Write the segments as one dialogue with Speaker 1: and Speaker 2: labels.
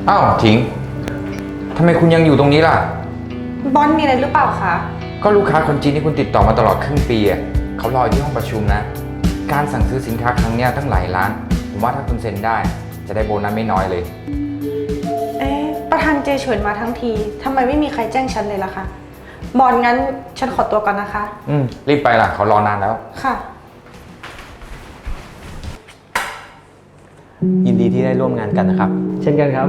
Speaker 1: อ้าวถิงทำไมคุณยังอยู่ตรงนี้ล่ะ
Speaker 2: บอลมีอะไรหรือเปล่าคะ
Speaker 1: ก็ลูกค้าคนจีนที่คุณติดต่อมาตลอดครึ่งปีเขารออยู่ที่ห้องประชุมนะการสั่งซื้อสินค้าครั้งนี้ตั้งหลายล้านผมว่าถ้าคุณเซ็นได้จะได้โบนัสไม่น้อยเลย
Speaker 2: ประธานเจเฉินมาทั้งทีทำไมไม่มีใครแจ้งฉันเลยล่ะคะบอลงั้นฉันขอตัวก่อนนะคะ
Speaker 1: รีบไปล่ะเขารอนานแล้ว
Speaker 2: ค่ะ
Speaker 3: ยินดีที่ได้ร่วมงานกันนะครับเช่นกันครับ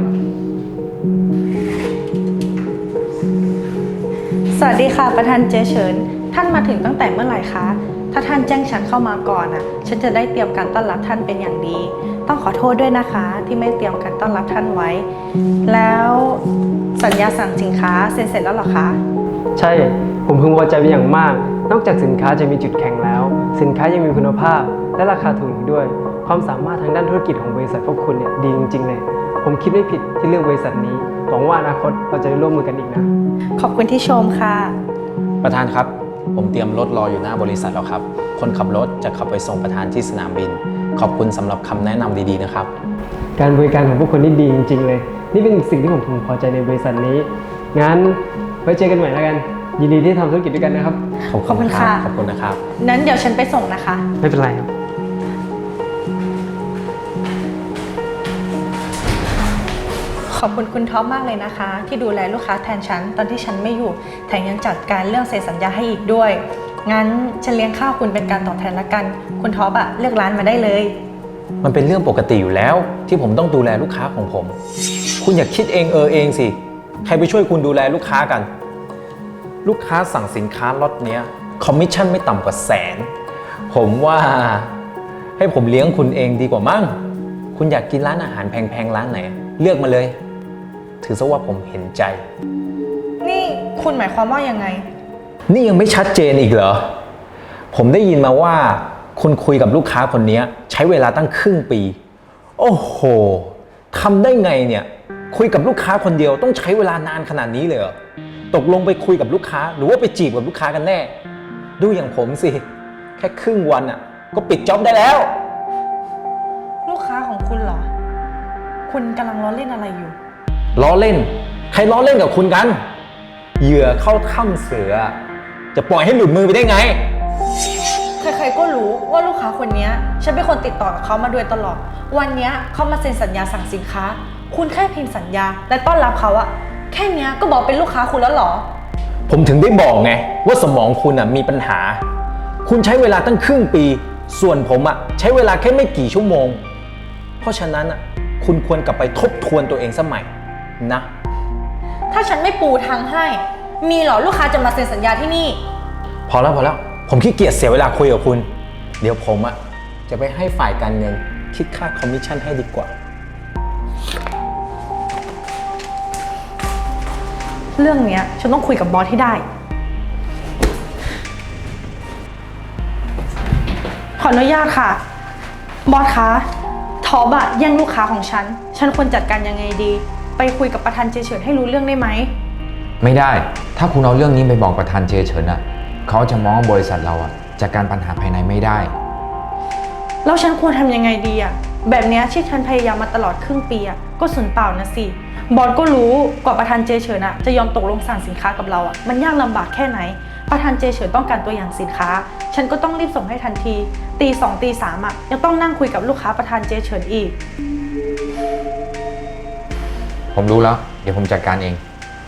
Speaker 2: สวัสดีค่ะประธานเจเฉินท่านมาถึงตั้งแต่เมื่อไหร่คะถ้าท่านแจ้งฉันเข้ามาก่อนฉันจะได้เตรียมการต้อนรับท่านเป็นอย่างดีต้องขอโทษด้วยนะคะที่ไม่เตรียมการต้อนรับท่านไว้แล้วสัญญาสั่งสินค้าเซ็นเสร็จแล้วหรอคะ
Speaker 3: ใช่ผมพึงพอใจเป็นอย่างมากนอกจากสินค้าจะมีจุดแข็งแล้วสินค้ายังมีคุณภาพและราคาถูกอีกด้วยความสามารถทางด้านธุรกิจของบริษัทพวกคุณเนี่ยดีจริงๆเลยผมคิดไม่ผิดที่เลือกบริษัทนี้หวังว่าอนาคตเราจะได้ร่วมมือกันอีกนะ
Speaker 2: ขอบคุณที่ชมค่ะ
Speaker 4: ประธานครับผมเตรียมรถรออยู่หน้าบริษัทแล้วครับคนขับรถจะขับไปส่งประธานที่สนามบินขอบคุณสำหรับคำแนะนำดีๆนะครับ
Speaker 3: การบริการของพวกคุณนี่ดีจริงๆเลยนี่เป็นสิ่งที่ผมพึงพอใจในบริษัทนี้งั้นไว้เจอกันใหม่แล้วกันยินดีที่ทำธุรกิจด้วยกันนะครับ
Speaker 2: ขอบคุณค่ะ
Speaker 4: ขอบคุณนะครับ
Speaker 2: นั้นเดี๋ยวฉันไปส่งนะคะ
Speaker 3: ไม่เป็นไรครับ
Speaker 2: ขอบคุณคุณท็อปมากเลยนะคะที่ดูแลลูกค้าแทนฉันตอนที่ฉันไม่อยู่แถมยังจัดการเรื่องเซ็นสัญญาให้อีกด้วยงั้นฉันเลี้ยงข้าวคุณเป็นการตอบแทนละกันคุณท็อปเลือกร้านมาได้เลย
Speaker 4: มันเป็นเรื่องปกติอยู่แล้วที่ผมต้องดูแลลูกค้าของผมคุณอย่าคิดเองเองสิใครไปช่วยคุณดูแลลูกค้ากันลูกค้าสั่งสินค้าล็อตเนี้ยคอมมิชชั่นไม่ต่ำกว่า100,000ผมว่าให้ผมเลี้ยงคุณเองดีกว่ามั้งคุณอยากกินร้านอาหารแพงๆร้านไหนเลือกมาเลยถือซะว่าผมเห็นใจ
Speaker 2: นี่คุณหมายความว่ายังไง
Speaker 4: นี่ยังไม่ชัดเจนอีกเหรอผมได้ยินมาว่าคุณคุยกับลูกค้าคนนี้ใช้เวลาตั้งครึ่งปีโอ้โหทำได้ไงเนี่ยคุยกับลูกค้าคนเดียวต้องใช้เวลานานขนาดนี้เลยเหรอตกลงไปคุยกับลูกค้าหรือว่าไปจีบกับลูกค้ากันแน่ดูอย่างผมสิแค่ครึ่งวันก็ปิดจ็อบได้แล้ว
Speaker 2: ลูกค้าของคุณเหรอคุณกำลังล้อเล่นอะไรอยู่
Speaker 4: ล้อเล่นใครล้อเล่นกับคุณกันเหยื่อเข้าถ้ำเสือจะปล่อยให้หลุดมือไปได้ไง
Speaker 2: ใครๆก็รู้ว่าลูกค้าคนนี้ฉันเป็นคนติดต่อกับเขามาโดยตลอดวันนี้เขามาเซ็นสัญญาสั่งสินค้าคุณแค่พิมพ์สัญญาและต้อนรับเขาแค่นี้ก็บอกเป็นลูกค้าคุณแล้วเหรอ
Speaker 4: ผมถึงได้บอกไงว่าสมองคุณมีปัญหาคุณใช้เวลาตั้งครึ่งปีส่วนผมใช้เวลาแค่ไม่กี่ชั่วโมงเพราะฉะนั้นคุณควรกลับไปทบทวนตัวเองสมัยนะ
Speaker 2: ถ้าฉันไม่ปูทางให้มีเหรอลูกค้าจะมาเซ็นสัญญาที่นี่
Speaker 4: พอแล้วผมขี้เกียจเสียเวลาคุยกับคุณเดี๋ยวผมจะไปให้ฝ่ายการเงินคิดค่าคอมมิชชั่นให้ดีกว่า
Speaker 2: เรื่องนี้ฉันต้องคุยกับบอสให้ได้ขออนุญาตค่ะบอสคะท็อปแย่งลูกค้าของฉันควรจัดการยังไงดีไปคุยกับประธานเจเฉินให้รู้เรื่องได้ไหม
Speaker 1: ไม่ได้ถ้าคุณเอาเรื่องนี้ไปบอกประธานเจเฉินเขาจะมองว่าบริษัทเราจัดการปัญหาภายในไม่ได้
Speaker 2: แล้วฉันควรทำยังไงดีแบบนี้ที่ฉันพยายามมาตลอดครึ่งปีก็สูญเปล่านะสิบอสก็รู้กว่าประธานเจเฉินจะยอมตกลงสั่งสินค้ากับเรามันยากลำบากแค่ไหนประธานเจเฉินต้องการตัวอย่างสินค้าฉันก็ต้องรีบส่งให้ทันทีตี 2ตี 3ยังต้องนั่งคุยกับลูกค้าประธานเจเฉินอีก
Speaker 1: ผมรู้แล้วเดี๋ยวผมจัดการเอง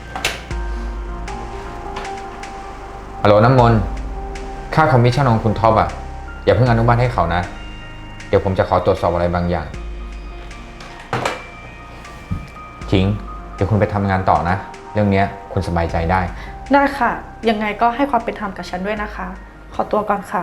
Speaker 1: ฮัลโหลน้ำมนต์ค่าคอมมิชชั่นของคุณท็อปอย่าเพิ่งอนุมัติให้เขานะเดี๋ยวผมจะขอตรวจสอบอะไรบางอย่างถิงเดี๋ยวคุณไปทำงานต่อนะเรื่องนี้คุณสบายใจได้
Speaker 2: ค่ะยังไงก็ให้ความเป็นธรรมกับฉันด้วยนะคะขอตัวก่อนค่ะ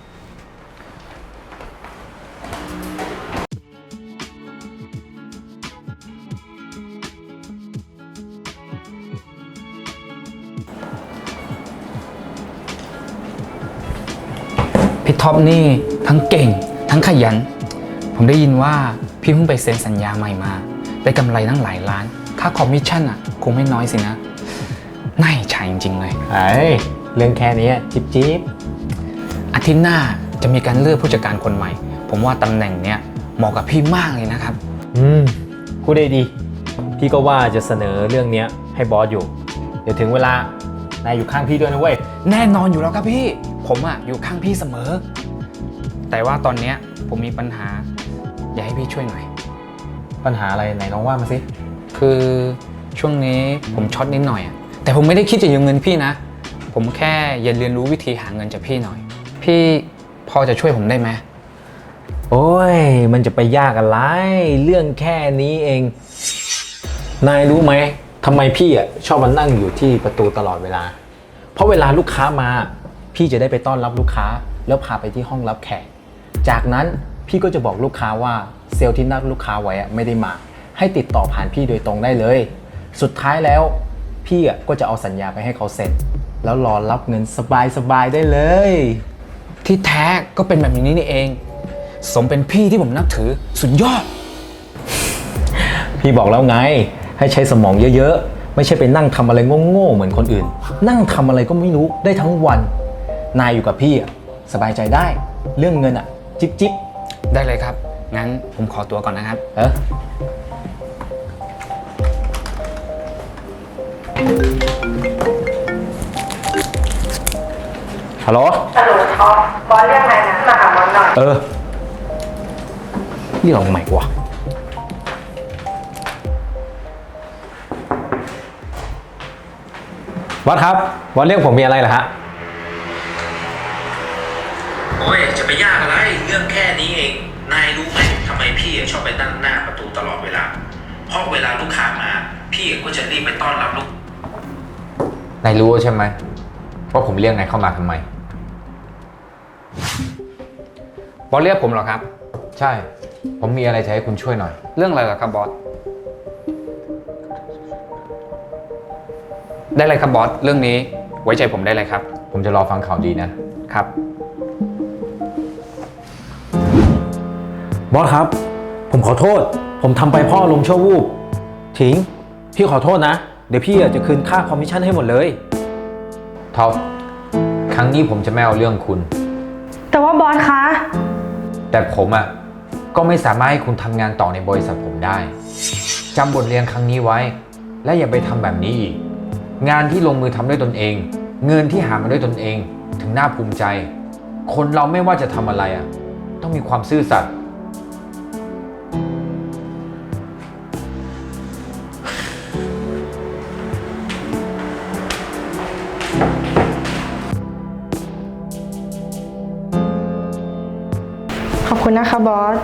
Speaker 5: พี่ท็อปนี่ทั้งเก่งทั้งขยันผมได้ยินว่าพี่เพิ่งไปเซ็นสัญญาใหม่มาได้กำไรตั้งหลายล้านค่าคอมมิชชั่นคงไม่น้อยสินะน่าอิจฉาจริงๆเลย
Speaker 4: เรื่องแค่นี้จิ๊บ
Speaker 5: อาทิตย์หน้าจะมีการเลือกผู้จัดการคนใหม่ผมว่าตำแหน่งเนี้ยเหมาะกับพี่มากเลยนะครับ
Speaker 4: พูดได้ดีพี่ก็ว่าจะเสนอเรื่องเนี้ยให้บอสอยู่ เดี๋ยวถึงเวลานายอยู่ข้างพี่ด้วยนะเว้ย
Speaker 5: แน่นอนอยู่แล้วครับพี่ ผมอะอยู่ข้างพี่เสมอ แต่ว่าตอนเนี้ยผมมีปัญหา อยากให้พี่ช่วยหน่อย
Speaker 4: ปัญหาอะไรไหนลองว่ามาสิ
Speaker 5: คือช่วงนี้ผมช็อตนิดหน่อยอะแต่ผมไม่ได้คิดจะยืมเงินพี่นะ ผมแค่อยากเรียนรู้วิธีหาเงินจากพี่หน่อย พี่พอจะช่วยผมได้ไหม
Speaker 4: โอ้ย มันจะไปยากอะไร เรื่องแค่นี้เอง นายรู้ไหมทำไมพี่อ่ะชอบมานั่งอยู่ที่ประตูตลอดเวลา เพราะเวลาลูกค้ามา พี่จะได้ไปต้อนรับลูกค้า แล้วพาไปที่ห้องรับแขก จากนั้นพี่ก็จะบอกลูกค้าว่าเซลล์ที่นัดลูกค้าไว้อะไม่ได้มา ให้ติดต่อผ่านพี่โดยตรงได้เลย สุดท้ายแล้วพี่อ่ะก็จะเอาสัญญาไปให้เขาเซ็น แล้วรอรับเงินสบายๆได้เลย
Speaker 5: ที่แท้ก็เป็นแบบนี้นี่เอง สมเป็นพี่ที่ผมนับถือสุดยอด
Speaker 4: พี่บอกแล้วไงให้ใช้สมองเยอะๆ ไม่ใช่ไปนั่งทำอะไรโง่ๆเหมือนคนอื่น นั่งทำอะไรก็ไม่รู้ได้ทั้งวัน นายอยู่กับพี่อะสบายใจได้ เรื่องเงินอะจิ๊บจิ๊บ
Speaker 5: ได้เลยครับ งั้นผมขอตัวก่อนนะครับ
Speaker 4: ฮัลโหล
Speaker 2: ฮัลโหลท็อปบอสเรียกนายนะมาหาบอสหน่อย
Speaker 4: นี่เราใหม่กว่าวัดครับวัดเรียกผมมีอะไรเหรอฮะ
Speaker 6: โอ้ยจะไปยากอะไรเรื่องแค่นี้เอง นายรู้ไหมทำไมพี่ชอบไปนั่งหน้าประตูตลอดเวลา เพราะเวลาลูกค้ามา พี่ก็จะรีบไปต้อนรับลูก
Speaker 1: นายรู้ใช่ไหมว่าผมเรียกนายเข้ามาทำไม
Speaker 5: บอสเรียกผมเหรอครับ
Speaker 1: ใช่ ผมมีอะไรจะให้คุณช่วยหน่อย
Speaker 5: เรื่องอะไรเหรอครับบอส ได้เลยครับบอส เรื่องนี้ไว้ใจผมได้เลยครับ
Speaker 1: ผมจะรอฟังข่าวดีนะ
Speaker 5: ครับ
Speaker 4: บอสครับ ผมขอโทษ ผมทำไปเพ่อลมณ์ชั่ววูบถิง พี่ขอโทษนะ เดี๋ยวพี่จะคืนค่าคอมมิชชั่นให้หมดเลย
Speaker 1: ท็อป ครั้งนี้ผมจะไม่เอาเรื่องคุณ
Speaker 2: แต่ว่าบอสคะ
Speaker 1: แต่ผมก็ไม่สามารถให้คุณทำงานต่อในบริษัทผมได้ จำบทเรียนครั้งนี้ไว้ และอย่าไปทำแบบนี้อีก งานที่ลงมือทำด้วยตนเอง เงินที่หามาด้วยตนเอง ถึงน่าภูมิใจ คนเราไม่ว่าจะทำอะไรต้องมีความซื่อสัตย์
Speaker 2: ขอบคุณนะคะบอส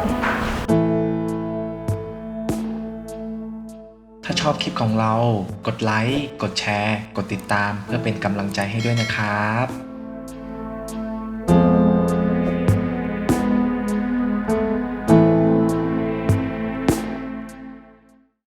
Speaker 7: ถ้าชอบคลิปของเรา กดไลค์ กดแชร์ กดติดตามเพื่อเป็นกำลังใจให้ด้วยนะครับ